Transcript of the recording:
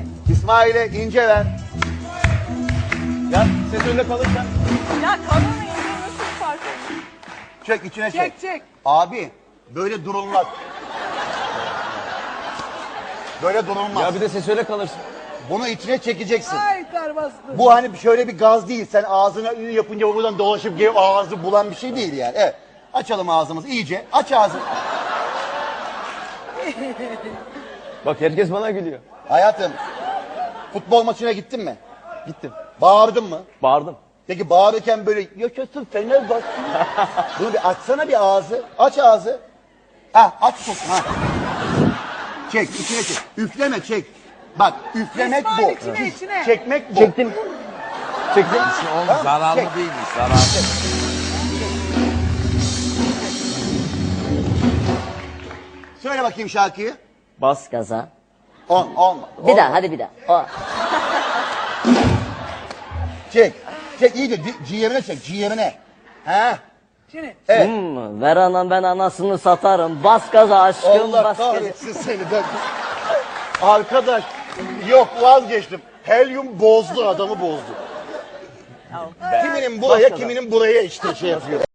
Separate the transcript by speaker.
Speaker 1: İsmail'e ince ver. Ya ses önde kalırsan.
Speaker 2: Ya kanın ince nasıl fark ediyor?
Speaker 1: Çek içine çek.
Speaker 2: Çek çek.
Speaker 1: Abi böyle durulmaz. Böyle durulmaz.
Speaker 3: Ya bir de ses öyle kalırsın.
Speaker 1: Bunu içine çekeceksin.
Speaker 2: Ay ter bastı.
Speaker 1: Bu hani şöyle bir gaz değil. Sen ağzına ünü yapınca buradan dolaşıp gelip ağzı bulan bir şey değil yani. Evet. Açalım ağzımızı iyice. Aç ağzını.
Speaker 3: Bak herkes bana gülüyor.
Speaker 1: Hayatım. Futbol maçına gittin mi?
Speaker 3: Gittim.
Speaker 1: Bağırdın mı?
Speaker 3: Bağırdım.
Speaker 1: Peki bağırırken böyle yaşasın Fenerbahçe. Bunu bir açsana bir ağzı. Aç ağzı. Ha aç çok. Ha. Çek içine çek. Üfleme çek. Bak üflemek bu.
Speaker 2: İsmail içine içine.
Speaker 1: Çekmek bu.
Speaker 3: Çektim. Çektim.
Speaker 4: Oğlum zararlı
Speaker 1: Çek.
Speaker 4: değilmiş, zararlı.
Speaker 1: Söyle bakayım şarkıyı.
Speaker 5: Bas gaza.
Speaker 1: On.
Speaker 5: Bir daha hadi bir daha. O.
Speaker 1: Çek. Çek iyice ciğerine çek ciğerine. Ha.
Speaker 2: Şimdi
Speaker 1: Evet.
Speaker 5: Ver anam ben anasını satarım. Bas gaza aşkım
Speaker 1: Allah
Speaker 5: bas gaza.
Speaker 1: kahretsin seni de. Arkadaş yok vazgeçtim. Helyum bozdu adamı bozdu. Kiminin buraya kiminin buraya işte şey yapıyor.